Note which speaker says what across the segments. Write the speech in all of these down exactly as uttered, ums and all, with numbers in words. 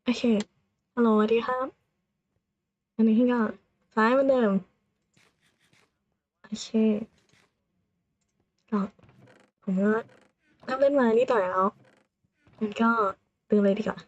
Speaker 1: โอเคฮัลโหลสวัสดีครับอันนี้ก็ซ้ายเหมือนเดิมโอเคก็ผมก็เริ่มเล่นมานิดหน่อยแล้วงั้นก็เริ่มเลยดีกว่า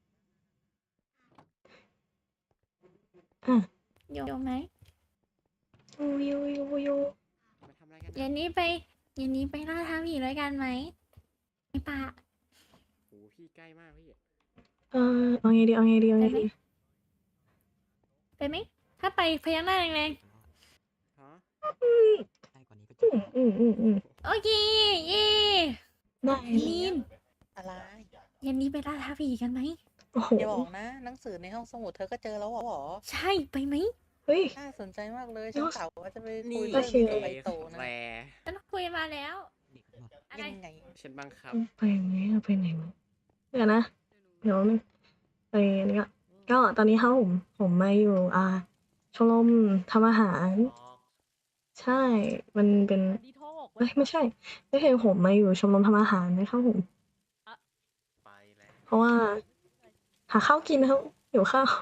Speaker 1: อ่ะ
Speaker 2: อยู่ไหม
Speaker 1: ยูยูยูยู
Speaker 3: มาทำอะไรกัน
Speaker 2: เย็
Speaker 3: นะ
Speaker 2: นนี้ไปเย็นนี้ไปล่าท้าผีด้วยกันไหมไม่ปะ
Speaker 3: โอ้พี่ใกล้มากพี่
Speaker 1: เออเอาไงดีเอาไงดีเอา
Speaker 2: ไปไหม
Speaker 1: ไงดี
Speaker 2: ไปไหมถ้าไปพยักหน้าแรง
Speaker 3: ฮะ
Speaker 1: อืม
Speaker 3: ใกล้กว่านี้ก็จ
Speaker 1: อื
Speaker 3: บ
Speaker 1: ม
Speaker 3: แล้ว
Speaker 1: อืมอืมอืม
Speaker 2: ๆโอเคเย่
Speaker 1: ได้
Speaker 2: ลีน
Speaker 4: อะไร
Speaker 2: เย็นนี้ไปล่าท้าผีกันไหม
Speaker 1: โอ้โห
Speaker 4: อย่าบอกนะหนังสือในห้องสมุดเธอก็เจอแล้วเหรอ
Speaker 2: ใช่ไปไหม
Speaker 1: เฮ้ย
Speaker 4: น่าสนใจมากเลย
Speaker 1: แล้
Speaker 4: ฉัน
Speaker 1: ว
Speaker 4: กล่าวว่าจะไปคุ
Speaker 3: นี่
Speaker 4: ยเรื่อง
Speaker 1: โอเค
Speaker 4: นี้กับไบโตนะ
Speaker 3: แร
Speaker 2: ฉันคุยมาแล้วอะไร
Speaker 4: ยังไง
Speaker 3: ฉันบังคับ
Speaker 1: ไปไหมเอาไปไหนวะเดี๋ยวนะเดี๋ยวนึงไปอันนี้ก็ก็ตอนนี้ครับผมผมมาอยู่อ่าชมรมทำอาหาร ใช่ มันเป็นเอ้ยไม่ใช่ไม่ใช่ผมมาอยู่ชมรมทำอาหารนะครับผม
Speaker 3: ไปแล้ว
Speaker 1: เพราะว่าหาข้าวกินนะครับหิวข้าว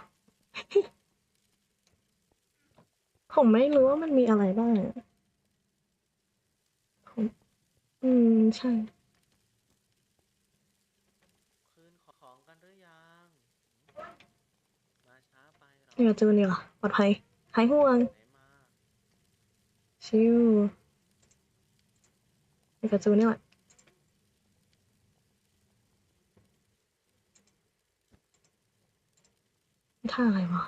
Speaker 1: ผมไม่รู้ว่ามันมีอะไรบ้างอะผมอืมใช่
Speaker 3: คืนของกันหรือยัง มาช้าไปหรอ
Speaker 1: เดี๋ยวเจอเนี่ยปลอดภัยหายห่วง
Speaker 3: ไหนมา
Speaker 1: ชิวเดี๋ยวเจอเนี่ยแหละท่าอะไรวะ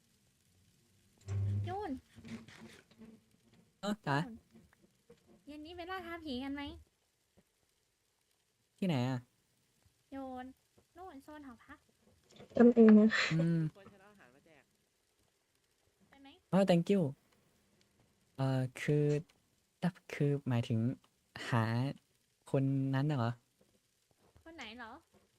Speaker 2: ยูน
Speaker 5: เออจ๋า
Speaker 2: เย็นนี้ไปล่าท้าผีกันไหม
Speaker 5: ที่ไหนอ่ะ
Speaker 2: โยนโน่นโซนหอพัก
Speaker 1: จำเองนะ
Speaker 5: อืม
Speaker 3: คนฉันเอาอาหารมาแจก
Speaker 2: ไปไหม
Speaker 5: อ๋อ thank you เอ่อคือดับคือหมายถึงหาคนนั้นน่ะเหรอ
Speaker 2: คนไหนเหรอ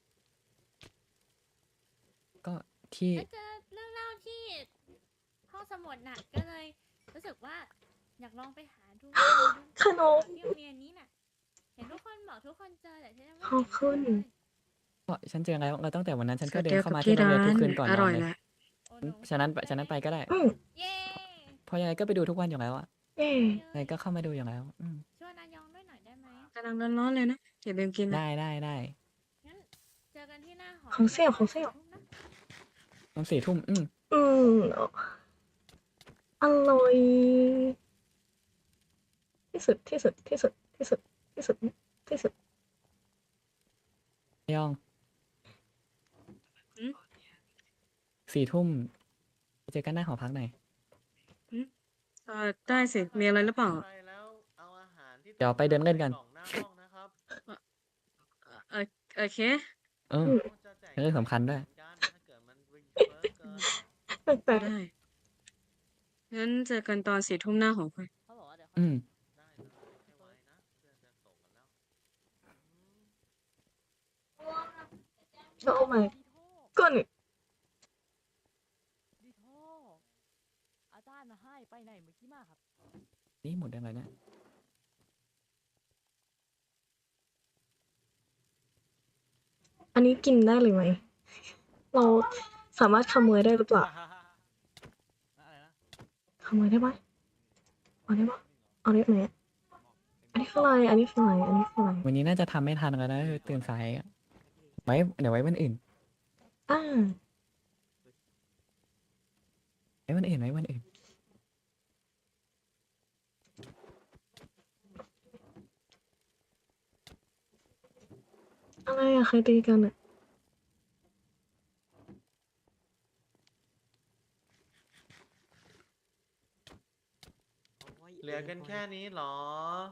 Speaker 5: ก็ที่
Speaker 2: แล้วเจอเรื่องเล่าที่ห้องสมุดน่ะก็เลยรู้สึกว่าอยากลองไปหาดูดู
Speaker 1: ขนม
Speaker 2: ที่โรงเรียนนี้น่ะเห็นทุกคนบอกทุกคนเจอแต่ฉันยังไม่
Speaker 1: ขอบคุณ
Speaker 2: เห็นเจอเลย
Speaker 5: ก็ฉันเจอแล้วแล้วตั้งแต่วันนั้นฉันก็
Speaker 6: สวัส
Speaker 5: เดิ
Speaker 6: ดี
Speaker 5: น
Speaker 6: ค
Speaker 5: เข้า
Speaker 6: รับ
Speaker 5: มา
Speaker 6: ที่
Speaker 5: ที่โรง
Speaker 6: ร้า
Speaker 5: เรียนทุก
Speaker 6: น
Speaker 5: คืนก่อน
Speaker 6: อน
Speaker 5: อ
Speaker 6: ร่อน ย
Speaker 5: เลย
Speaker 6: แล้ว
Speaker 2: โอ้หนู
Speaker 5: ฉะนั้นฉะนั้นไปก็ได้
Speaker 1: อืม
Speaker 2: เย้
Speaker 5: เพราะยังไงก็ไปดูทุกวันอยู่แล้วอ่ะ
Speaker 1: เย่
Speaker 5: ยังไงก็เข้ามาดูอยู่แล้วอืม
Speaker 2: ชวนนายองด้วยหน่อยได้ไหม
Speaker 6: กำลังร้อนๆเลยนะอย่าลืมกินนะ
Speaker 5: ได้ได้ได้
Speaker 2: งั้นเจอกันที่หน้าหอ
Speaker 1: ของเสี่ยวของเสี่ยว
Speaker 2: ทุ่มนะ
Speaker 5: ตอนสี่ทุ่มอืม
Speaker 1: อืมอร่อยที่สุดที่สุดที่สุดที่สุดที่สุดที่สุด
Speaker 5: ยอง
Speaker 6: อืม
Speaker 5: สี่ทุ่มไปเจอกันหน้าหอพักหน่อย
Speaker 6: เออได้สิ มีอะไรหรือเปล่า
Speaker 3: ไปแล้วเอาอาหารที่
Speaker 5: เดี๋ยวไปเดินเล่นกัน
Speaker 3: ใส่กล่องหน้าห้องนะครับ
Speaker 6: เออโอเค
Speaker 5: เออ
Speaker 3: จะแจก
Speaker 5: เรื่องสำคัญด้วย
Speaker 3: เหมือนกันถ้าเกิดมันรีเฟิร์สเกิน
Speaker 1: แปล
Speaker 6: ก็
Speaker 1: ก
Speaker 6: ได้ งั้นเจอกันตอนสี่ทุ่มหน้าหอคอย
Speaker 5: อืม
Speaker 3: ได้เลยให้ไวนะเพื่อนจะส่งกันแล้วอืม
Speaker 1: ๆโอ้ my ก้น
Speaker 7: ดิโทอาจารย์มาให้ไปไหนเมื่อกี้มาครับ
Speaker 5: นี่หมดยังไงเนี่ย
Speaker 1: อันนี้กินได้เลยไหม เราสามารถขโมยได้หรือเปล่า
Speaker 3: อะไรนะ
Speaker 1: ขโมยได้ปะเอาได้ปะเอาได้ไหมอันนี้คืออะไร อันนี้คืออะไร อันนี้คืออะไร
Speaker 5: วันนี้น่าจะทำไม่ทันกันนะตื่นสายอะไว้เดี๋ยวไว้วันอื่น
Speaker 1: อ่า
Speaker 5: ไว้วันอื่นไว้วันอื่น
Speaker 1: อะไรอะใครตีกันอะ
Speaker 3: เหลือกันแค่นี้เหรอ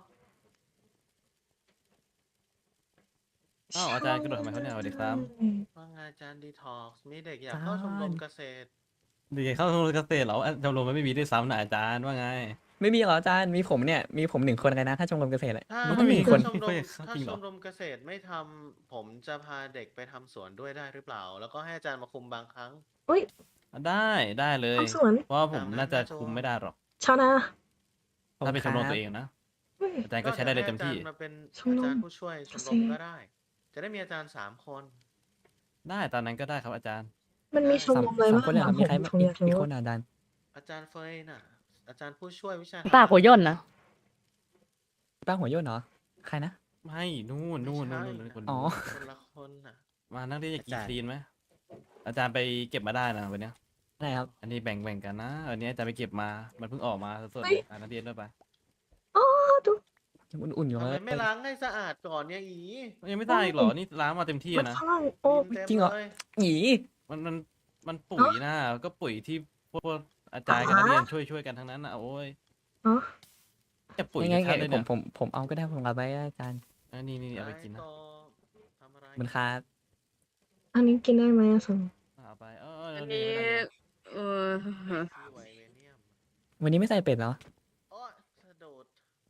Speaker 8: อ้าวอาจารย์กระโดดทำไมครับเนี่ยสวัสดีครับ
Speaker 3: ว่าไงอาจารย์ดีท็อกซ์มีเด็กอยากเข้าชมรมเกษตร
Speaker 8: เด็กเข้าชมรมเกษตรเหรออ่ะชมรมมันไม่มีด้วยซ้ำนะอาจารย์ว่าไง
Speaker 5: ไม่มีเหรออาจารย์มีผมเนี่ยมีผมหนึ่งคนเลยนะถ้าชมรมเกษตรอะ
Speaker 3: ถ้า
Speaker 5: มันต้องมี
Speaker 8: มี
Speaker 5: คน
Speaker 3: ชมรม
Speaker 8: เฮ้ย
Speaker 3: ถ้า
Speaker 8: จริงเห
Speaker 3: ช
Speaker 8: รอ
Speaker 3: มรมเกษตรไม่ทำผมจะพาเด็กไปทำสวนด้วยได้หรือเปล่า แล้วก็ให้อาจารย์มาคุมบางครั้ง
Speaker 1: อุ้ย
Speaker 8: ได้ได้เลย
Speaker 1: ทำสวน
Speaker 8: เพราะว่าผม
Speaker 3: ตามนั้น
Speaker 8: น่าจะ
Speaker 3: นะโจ
Speaker 8: คุมไม่ได้หรอก
Speaker 1: ชาวนา
Speaker 8: ถ้าเป็นชมรม
Speaker 5: ครับ
Speaker 8: ตัวเองนะ
Speaker 1: เฮ้ย
Speaker 8: อาจารย์ก็ใช้ได้เลยเต็มที่
Speaker 3: ก็จะให้อาจารย์มาเป็น
Speaker 1: ชมรม
Speaker 3: อาจารย์ผู้ช่วยชมรม
Speaker 1: เกษตร
Speaker 3: ก็ได้ จะได้มีอาจารย์สามคน
Speaker 8: ได้ตอนนั้นก็ได้ครับอาจารย์
Speaker 1: มันมีชม
Speaker 5: สาม
Speaker 1: รมอะไร
Speaker 5: สาม
Speaker 1: บ้าง
Speaker 5: คนเลยเหรอ
Speaker 1: อะ
Speaker 5: มี
Speaker 1: ผ
Speaker 5: ใคร
Speaker 1: ม
Speaker 5: มา
Speaker 1: ผม
Speaker 5: อี
Speaker 1: อก ยาก
Speaker 5: อีก
Speaker 1: รู้
Speaker 5: คนอ่ะอาจารย์
Speaker 3: อาจารย์เฟยน่ะ อาจารย์ผู้ช่วยวิชา
Speaker 7: ป้าหัวย่นนะ
Speaker 5: ป้าหัวโยนเหรอ ใครนะ
Speaker 8: ไม่นู่น
Speaker 3: ไม่
Speaker 8: นู่น
Speaker 3: ใช่
Speaker 8: นู่นนู่น
Speaker 3: น่ะ
Speaker 8: คน
Speaker 5: อ๋อ
Speaker 8: นู้น
Speaker 3: คนละคนน่ะ
Speaker 8: มานั่งเรียนอยากกิน
Speaker 9: อาจารย์
Speaker 8: คลีนไหมอาจารย์ไปเก็บมาได้นะวันเนี้ย
Speaker 5: ได้ครับ
Speaker 8: อันนี้แบ่งแบ่งกันนะอันนี้อาจารย์ไปเก็บมา มันเพิ่งออกมาสดๆ
Speaker 1: เฮ้
Speaker 8: เลย ยอ่านนักเรียนด้วยไป
Speaker 1: อ๋อดู
Speaker 5: ยังอุ่นๆอยู่
Speaker 3: ทำ
Speaker 5: เล
Speaker 3: ไม
Speaker 5: ย
Speaker 3: ไม่ล้างให้สะอาดก่อนเนี่ยอี
Speaker 8: ยังไม่ได้อีกเหรอ นี่ล้างมาเต็มที่
Speaker 1: มัน
Speaker 8: อะนะ
Speaker 1: ข้างโอ้
Speaker 3: ดินเต็ม
Speaker 5: จริงเหรอ
Speaker 3: เลย
Speaker 5: หยี
Speaker 8: มันมันมันปุ๋ยนะก็ปุ๋ยที่พวกพวกอาจารย์กับนักเรียนช่วยช่วยกันทั้งนั้นนะโอ้ย
Speaker 1: อ๋อ
Speaker 8: จะปุ๋ย
Speaker 5: ยังไง
Speaker 8: ชัดๆเลย
Speaker 5: ผ
Speaker 8: เนี่
Speaker 5: ม
Speaker 8: ย
Speaker 5: ผมผมเอาก็ได้ผมเอาไปอาจารย์
Speaker 8: อันนี้นี่เอาไปกินนะ
Speaker 3: ต่อทำอะไร
Speaker 5: มันครับ
Speaker 1: อันนี้กินได้ไหมอะสม
Speaker 8: เอาไปเออเออ
Speaker 6: อัน
Speaker 8: นี่
Speaker 6: นี้
Speaker 8: ไม่ได้เลย
Speaker 6: เออ
Speaker 3: ที่ไวเวเนียม
Speaker 5: วันนี้ไม่ใส่เป็ดเหรอ
Speaker 3: โอ้ยสะดุด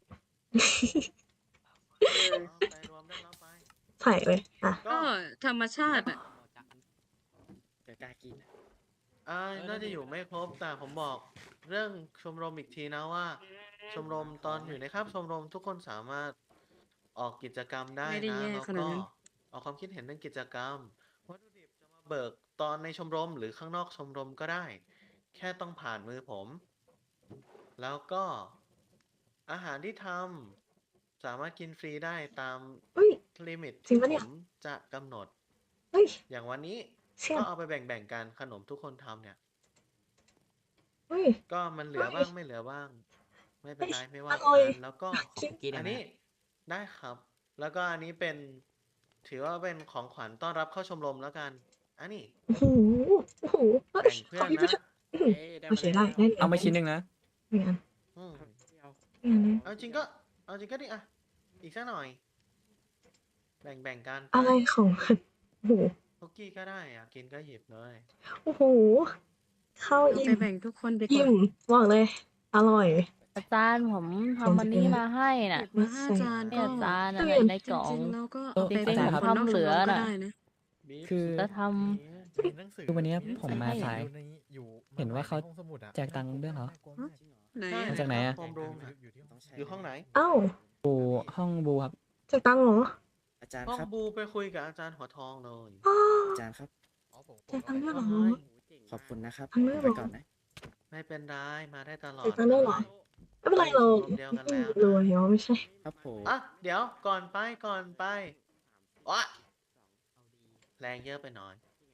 Speaker 3: เอาไปรวมได้แล้วไป
Speaker 1: ใส่เลยอ่ะ
Speaker 3: ก็
Speaker 6: ก็ธรรมชาติอ่ะ
Speaker 9: เดี๋ยวกล้ากิน
Speaker 3: อ่าน่าจะอยู่ไม่ครบแต่ผมบอกเรื่องชมรมอีกทีนะว่า ชมรมตอนอยู่ในคาบชมรมทุกคนสามารถออกกิจกรรมได้
Speaker 6: ไม่ได้
Speaker 3: นะ
Speaker 6: แย่
Speaker 3: แล้ว
Speaker 6: ขนาด
Speaker 3: ก็
Speaker 6: นั้น
Speaker 3: ออกความคิดเห็นเรื่องกิจกรรมวัตถุดิบจะมาเบิกตอนในชมรมหรือข้างนอกชมรมก็ได้ แค่ต้องผ่านมือผม แล้วก็อาหารที่ทำสามารถกินฟรีได้ตาม
Speaker 1: เฮ้ย
Speaker 3: ลิมิต
Speaker 1: จริ
Speaker 3: ที่
Speaker 1: ง
Speaker 3: ผ
Speaker 1: ปะเนี่ย
Speaker 3: มจะกำหนด
Speaker 1: เฮ้ย
Speaker 3: อย่างวันนี้
Speaker 1: เชี่ย
Speaker 3: ก็เอาไปแบ่งๆกันขนมทุกคนทำเนี่ย
Speaker 1: เฮ้ย
Speaker 3: ก็มันเหลือบ้างไม่เหลือบ้าง ไม่เป็นไรไม่ว่า
Speaker 1: อร่อย
Speaker 3: กันแล้วก็
Speaker 1: กิน
Speaker 9: กินได้
Speaker 3: อัน
Speaker 9: ไหม
Speaker 3: นี้ได้ครับ แล้วก็อันนี้เป็น ถือว่าเป็นของขวัญต้อนรับเข้าชมรมแล้วกัน อันนี้
Speaker 1: โอ้โหโอ้โหเฮ้ย
Speaker 3: แบ่งเพื่
Speaker 1: ข
Speaker 3: อ
Speaker 1: อน พี่ไป
Speaker 3: นะ
Speaker 1: เถอะอื้อหือ
Speaker 9: เอ้ยได้
Speaker 1: โอ
Speaker 9: มา
Speaker 1: เค
Speaker 9: แล้ว
Speaker 1: ได้ได้
Speaker 5: เอามาชิ้นหนึ่งนะ
Speaker 1: ไม่งั้น
Speaker 3: อืม
Speaker 9: เที่ยว
Speaker 1: ไม่งั้นนะ
Speaker 3: เอาจริงก็ เอาจริงก็ดิอ่ะ อีกสักหน่อย แบ่งแบ่งกัน
Speaker 1: อะไรของมันโอ้โห
Speaker 3: คุกกี้ก็ได้อ่ะ กินก็หยิบเลย
Speaker 1: โอ้โหข้าว
Speaker 6: เอา
Speaker 1: อิ่
Speaker 6: ไป
Speaker 1: ม
Speaker 6: แบ่งทุกคนดีก
Speaker 1: อิ่
Speaker 6: ว่า
Speaker 1: มบอกเลย อร่อย
Speaker 7: อาจารย์ผมทำมันนี้มาให้น่ะ
Speaker 6: เก็บมาห้าจาน
Speaker 7: เนี่
Speaker 6: ก็
Speaker 7: ยอาจารย์
Speaker 1: เอ
Speaker 7: อะ
Speaker 1: อ
Speaker 7: ใน
Speaker 6: จ
Speaker 7: กล่อง
Speaker 6: ริงๆแล้วก็
Speaker 5: เออ
Speaker 6: เอาไป
Speaker 7: เด็กๆ
Speaker 6: แบ่ง
Speaker 7: ครับ
Speaker 6: คนนอกชมรม
Speaker 7: ทำเหลือ
Speaker 6: ก็
Speaker 7: น่ะ
Speaker 6: ได้นะ
Speaker 3: บีฟ
Speaker 5: คือ
Speaker 7: แล้วท
Speaker 10: มีหนังสือ
Speaker 5: คือวันเนี้ย
Speaker 10: หงสือ
Speaker 5: ผมมาสาย
Speaker 10: อยู่ในอยู่
Speaker 5: เห็นว่าเขา
Speaker 10: ในห้องสมุดอะ
Speaker 5: แจกตังค์ด้วยเหรอ
Speaker 6: ไหน
Speaker 3: ใช่
Speaker 6: อะ
Speaker 5: มาจากไหนอะ
Speaker 3: โฮมรูม
Speaker 10: อยู่ที่ห้อง
Speaker 3: อยู่ห้องไหน
Speaker 1: เอ้า
Speaker 5: บูห้องบูครับ
Speaker 1: จากตังค์เหรอ
Speaker 9: อาจารย์
Speaker 3: ห้อง
Speaker 9: ครับ
Speaker 3: บูไปคุยกับอาจารย์หัวทองเลย
Speaker 1: อ้อ
Speaker 9: อาจารย์ครับ
Speaker 10: อ๋อผม
Speaker 1: จากตังค์ด้วยเหรอ
Speaker 9: ขอบคุณนะครับ
Speaker 1: ทำด้วยเหรอ
Speaker 9: ไปก่อนนะ
Speaker 3: ไม่เป็นไรมาได้ตลอด
Speaker 1: จากตังค์ด้วยเหรอ ไม่เป็นไรเรา
Speaker 3: ชมรมเดียวกันแล้ว
Speaker 1: รวยเหรอไม่ใช่
Speaker 9: ครับผม
Speaker 3: อ่ะเดี๋ยวก่อนไปก่อนไปวะแรงเยอะไปหน่อย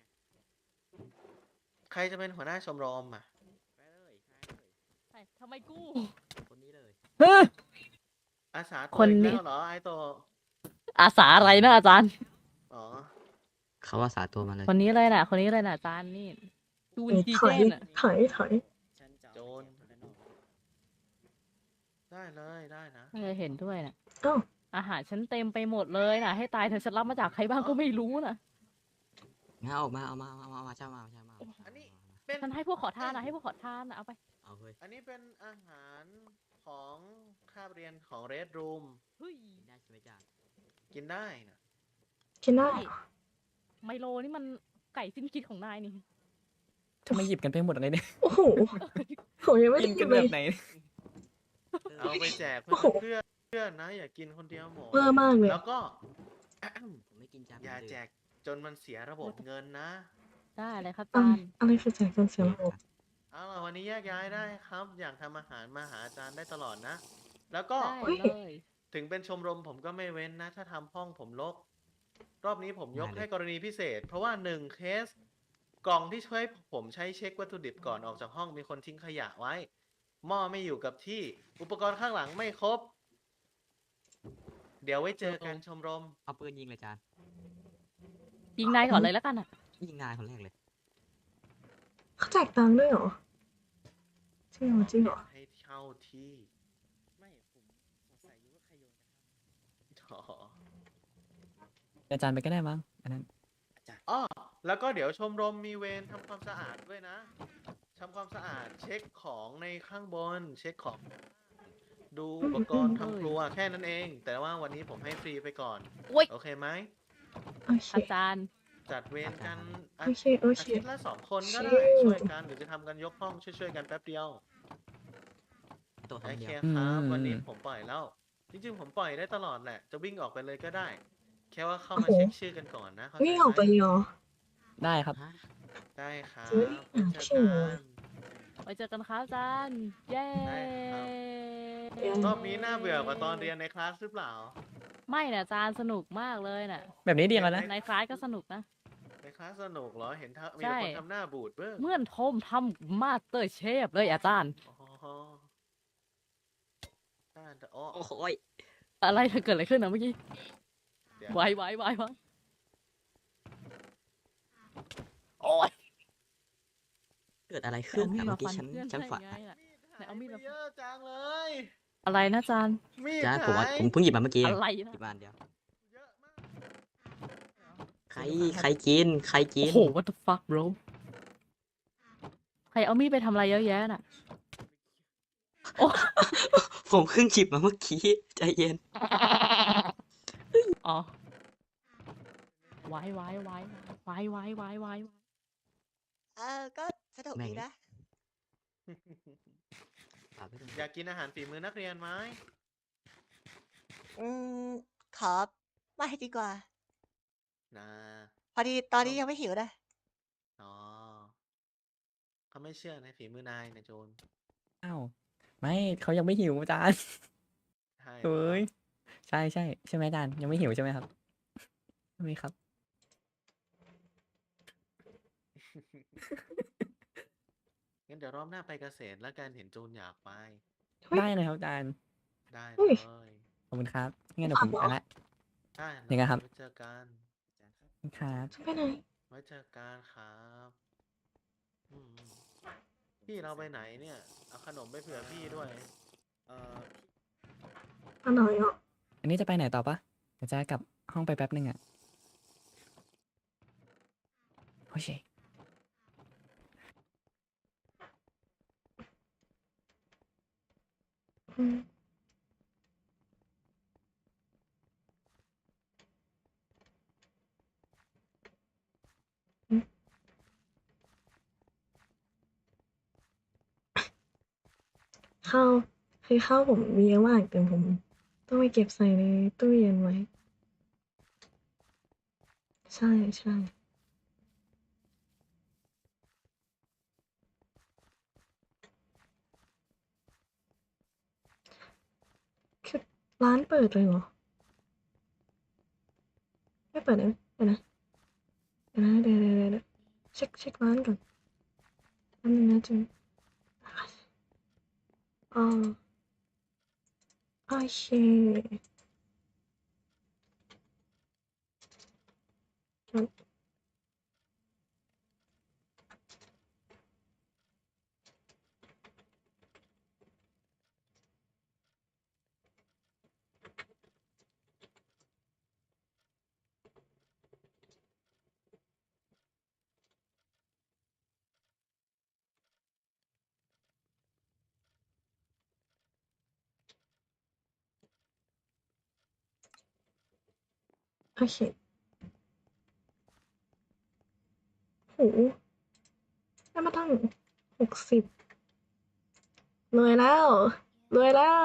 Speaker 3: ใครจะเป็นหัวหน้าชมรมอ่ะ
Speaker 7: ำทำไมกู
Speaker 9: คนนี้เลย
Speaker 3: อาสาตัว
Speaker 7: คน
Speaker 3: อีก
Speaker 7: นี้
Speaker 3: แล้วเหรอไอโต
Speaker 7: อาสาอะไรนะอาจารย์
Speaker 3: อ๋อ
Speaker 9: เขาว่าสาตัวมาเลย
Speaker 7: คนนี้เลยน่ะ คนนี้เลยน่ะอาจารย์นี่ดู
Speaker 1: เอ้ย
Speaker 7: ดี
Speaker 1: ถ
Speaker 7: เจ
Speaker 1: อย
Speaker 7: น่ะ
Speaker 1: ถอยถอย
Speaker 3: โจร ได้เลยได้นะ
Speaker 7: ไม่เคยเห็นด้วยน่ะ
Speaker 1: เอ้า
Speaker 7: อาหารฉันเต็มไปหมดเลยน่ะ ให้ตายเธอะฉันรับมาจากใครบ้างก็ไม่รู้น่ะ
Speaker 9: งั้นเอาออกมา เอามา เอามา เอามาช่างมาช่างมา
Speaker 3: อันนี้เป็น
Speaker 7: ฉันให้พวกขอทานนะให้พวกขอทานนะเอาไป
Speaker 9: เอาเฮ้ย
Speaker 3: อันนี้เป็นอาหารของคาบเรียนของเรดรูม
Speaker 7: เฮ้ย
Speaker 9: ได้ใช่ไหมจ๊ะ
Speaker 3: กินได้นะ
Speaker 1: กินได้
Speaker 7: ไมโลนี่มันไก่สิ้นคิดของนายนี่
Speaker 5: ทำไมหยิบกันไปหมดอะไรเนี่ย
Speaker 1: โอ้โหผมยังไม่
Speaker 5: กิ
Speaker 1: ได้
Speaker 5: น
Speaker 1: กิ
Speaker 5: กัน น
Speaker 1: เล
Speaker 5: แบ
Speaker 1: ย
Speaker 5: บไหน
Speaker 3: เอาไปแจก
Speaker 1: โอ้โห
Speaker 3: เพื่อนเพื่อนๆนะ อย่ากินคนเดียวหมด
Speaker 1: เวอร์มากเลย
Speaker 3: แล้วก็
Speaker 9: ผมไม่กินจาน
Speaker 3: อย่าแจกจนมันเสียระบบเงินนะ
Speaker 7: ได้เลยครับอา
Speaker 1: อะ
Speaker 7: จารย์
Speaker 1: อะไรคือแจกจนเสียระบบ
Speaker 3: เอาล่ะวันนี้แยกย้ายได้ครับ อยากทำอาหารมาหาอาจารย์ได้ตลอดนะ แล้วก็
Speaker 7: ได้เลย
Speaker 3: ถึงเป็นชมรมผมก็ไม่เว้นนะ ถ้าทำห้องผมรกรอบนี้ผมยกให้กรณีพิเศษ เพราะว่าหนึ่งเคส กล่องที่ช่วยผมใช้เช็ควัตถุดิบก่อนออกจากห้องมีคนทิ้งขยะไว้ หม้อไม่อยู่กับที่ อุปกรณ์ข้างหลังไม่ครบ เดี๋ยวไว้เจอกันชมรม
Speaker 9: เอาปืนยิงเลยจาน
Speaker 7: ยิงนายก่อนเลยแล้วกันอ่ะ
Speaker 9: ยิงนายคนแรกเลย
Speaker 1: เขาแจกตังค์ด้วยเหรอ จริงเหรอจริงเหรอ
Speaker 3: ให้เช่าที่
Speaker 9: ไม่ผมสงสัยอยู่ว่าใครโยนกระท
Speaker 3: อ๋อ
Speaker 5: อาจารย์ไปก็ได้มั้งอันนั้น
Speaker 9: ำอาจารย์
Speaker 3: อ้อแล้วก็เดี๋ยวชมรมมีเวรทำความสะอาดด้วยนะทำความสะอาดเช็คของในข้างบน เช็คของ ดูอุปกรณ์ทำครัวแค่นั้นเอง แต่ว่าวันนี้ผมให้ฟรีไปก่อน
Speaker 7: โอ๊ย
Speaker 3: โอเคไหม
Speaker 1: โอเค
Speaker 7: อาจารย์
Speaker 3: จัดเวรกันอา
Speaker 1: โอเค โอ
Speaker 3: อา
Speaker 1: เค
Speaker 3: ทิตย์ละสองคนก็
Speaker 1: ชิ
Speaker 3: ได้
Speaker 1: ล
Speaker 3: ช่วยกันหรือจะทำกันยกห้องช่วยๆกันแป๊บเดียว
Speaker 9: ตัว
Speaker 3: โอ
Speaker 9: ทำ
Speaker 3: เค
Speaker 9: เดียว
Speaker 3: ครับ
Speaker 5: อืม
Speaker 3: วันนี้ผมปล่อยแล้ว จริงๆผมปล่อยได้ตลอดแหละ จะวิ่งออกไปเลยก็ได้ แค่ว่าเข้ามา
Speaker 1: โอ้โห
Speaker 3: เช็คชื่อกันก่อนนะเข้าใจ
Speaker 1: วิ่งออกไป
Speaker 3: ไหม
Speaker 1: เลยเหรอ
Speaker 5: ได้ครับ
Speaker 9: ฮะ
Speaker 3: ได้ครับ
Speaker 1: จะไม่ได้
Speaker 3: ไว้
Speaker 1: หา
Speaker 3: เจอ
Speaker 1: พี่
Speaker 3: กั
Speaker 1: เลย
Speaker 3: น
Speaker 7: ไว้เจอกันครับอาจารย์ เย้
Speaker 3: ได้ครับ
Speaker 1: เย้
Speaker 3: รอบนี้น่าเบื่อกว่าตอนเรียนในคลาสหรือเปล่า
Speaker 7: ไม่นะอาจารย์สนุกมากเลยน่ะ
Speaker 5: แบบนี้ดีแล้วนะ
Speaker 7: ในคลาสก็สนุกนะ
Speaker 3: ในคลาสสนุกเหรอ เห็นทำมี
Speaker 7: ใช่
Speaker 3: แต่คนทำหน้าบูดเบ้อ
Speaker 7: เหมื่อนทมทำมาสเตอร์เชฟเลยอาจารย์
Speaker 3: อ๋อน่าจะอ้อ
Speaker 9: โอ้โหย
Speaker 7: อะไรเกิดอะไรขึ้นนะเมื่อกี้
Speaker 3: เดี๋ยว
Speaker 7: ไวไวไวไวโอ้ย
Speaker 9: เกิดอะไร
Speaker 7: เอา
Speaker 9: ขึ้น
Speaker 7: มีด
Speaker 9: อะ
Speaker 7: มา
Speaker 9: เมื่อกี้
Speaker 7: ฟัน
Speaker 9: ฉัน
Speaker 7: เพื่อน
Speaker 9: ฉัน
Speaker 7: ได้
Speaker 9: ฝัน
Speaker 7: ไงล่ะ ไหนเอามีด
Speaker 3: ห
Speaker 7: มา
Speaker 3: ไปเยอะจังเลย
Speaker 7: อะไรนะอาจารย์
Speaker 3: มีด
Speaker 9: จ้า
Speaker 3: ห
Speaker 9: ผมว่า
Speaker 3: าย
Speaker 9: ผมเพิ่งหยิบมาเมื่อกี้เอง
Speaker 7: อะไร
Speaker 9: ห
Speaker 7: นะ
Speaker 9: ยิบมาอันเดียว
Speaker 3: เยอะมาก
Speaker 9: ใคร ใครกิน ใครกิ
Speaker 7: โอ้
Speaker 9: น
Speaker 7: โห what the fuck bro ใครเอามีดไปทำอะไรเยอะแยะน่ะ โอ้
Speaker 9: ผมเพิ่งหยิบมาเมื่อกี้ ใจเย็น
Speaker 7: อ๋อไวไวไวไวไวไวไว
Speaker 4: เออ ก็สนุก
Speaker 9: แม่ง
Speaker 4: ดีนะ
Speaker 9: ฝากไว้ด้วย
Speaker 3: อยากกินอาหารฝีมือนักเรียนไหม
Speaker 4: อืม ขอไม่ดีกว่า
Speaker 3: นะ
Speaker 4: พอดีตอนนี้
Speaker 3: ก็
Speaker 4: ยังไม่หิวนะ
Speaker 3: อ๋อ เขาไม่เชื่อในฝีมือนายนะโจร
Speaker 5: อ้าว ไม่เขายังไม่หิวอาจารย์
Speaker 3: ใช่เหร
Speaker 5: เฮ้
Speaker 3: อ
Speaker 5: ย ใช่ใช่ใช่ไหมอาจารย์ ยังไม่หิวใช่ไหมครับ ใช่ไหมครับ
Speaker 3: งั้นเดี๋ยวรอบหน้าไปเกษตรแล้วกัน เห็นโจรอยากไป
Speaker 1: เฮ้ย
Speaker 5: ได้เลยครับอาจารย์
Speaker 3: ได้
Speaker 1: เฮ้
Speaker 3: เลย ย
Speaker 5: ขอบคุณครับงั้นเดี๋ยวผมไปละ
Speaker 3: ได้เล
Speaker 5: ยังไง
Speaker 3: ย
Speaker 5: ครับ
Speaker 3: ไว้เจอกันอาจารย์ครับ
Speaker 5: ขอบคุณครับ
Speaker 1: จะไปไหน
Speaker 3: ไว้เจอกันครับ อืม พี่เราไปไหนเนี่ย เอาขนมไปเผื่อพี่ด้วย
Speaker 9: เอ่อ
Speaker 1: อันไหนอ่ะ
Speaker 5: อันนี้จะไปไหนต่อปะเดี๋ยวจะกลับห้องไปแป๊บนึงอ่ะ โอเค
Speaker 1: อืม อืม ข้าว คือข้าวผมมีเยอะมาก แต่ผมต้องไปเก็บใส่ในตู้เย็นไว้ ใช่ ๆ คือร้านเปิดเลยเหรอ? ไม่เปิดนะ เดี๋ยวนะ เดี๋ยวนะ เดี๋ยว ๆ ๆ ๆ เช็ก เช็กร้านก่อน แป๊บหนึ่งนะจูน อ้อ โอเค อืม โอเค โอ้โฮ ได้มาตั้ง หกสิบ รวยแล้ว รวยแล้ว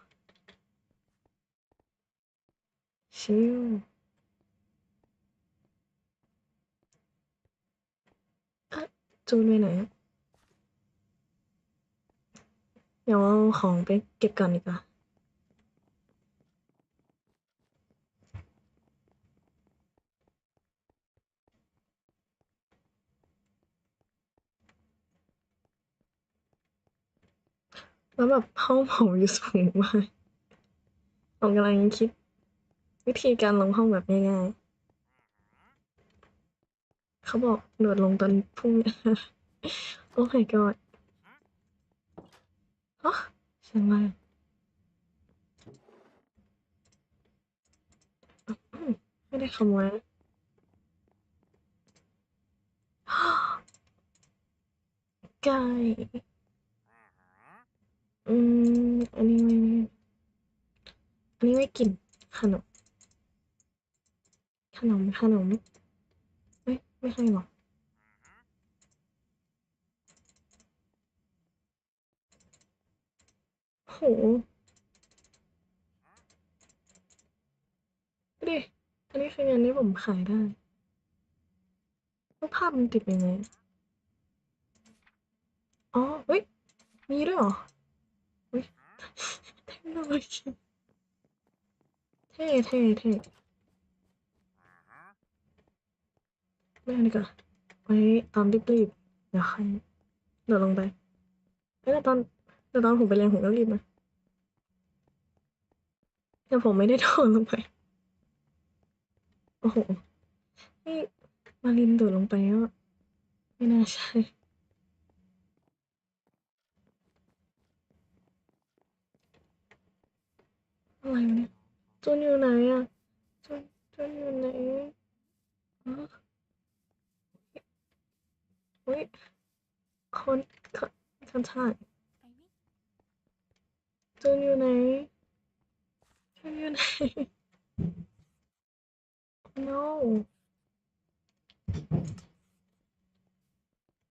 Speaker 1: ชิล เอ๊ะ จูนไปไหนอะ? เดี๋ยวเอาของไปเก็บก่อนดีกว่า แล้วแบบห้องผมอยู่สูงมาก ผมกำลังคิดวิธีการลงห้องแบบง่าย ๆ เขาบอกโดดลงตอนพรุ่งนี้ Oh my god ฮะ เสียงอะไรอะ? อืม ไม่ได้ขโมยนะ ไก่ อืม อันนี้ไม่ อันนี้ไว้กินขนม ขนม ขนม เอ๊ะ ไม่ใช่หรอ? โอ้โฮ ดูดิ อันนี้คือเงินที่ผมขายได้ รูปภาพมันติดยังไงอะ? อ๋อเฮ้ย มีด้วยเหรอเฮ้ยเทคโนโลยีเท่เท่เท่ไม่เอาดีกว่าไว้ตอนรีบๆเดี๋ยวใครเดี๋ยวลงไปเอ้ยแต่ตอนแต่ตอนผมไปเรียนผมก็รีบนะแต่ผมไม่ได้โดดลงไป โอ้โหนี่มารินโดดลงไปก็ไม่น่าใช่ อะไรวะเนี่ยจุนอยู่ไหนอะจุนจุนอยู่ไหนอ๋อเฮ้ยคนคนคนชาติ
Speaker 2: ไปไหม
Speaker 1: จุนอยู่ไหนจุนอยู่ไหน no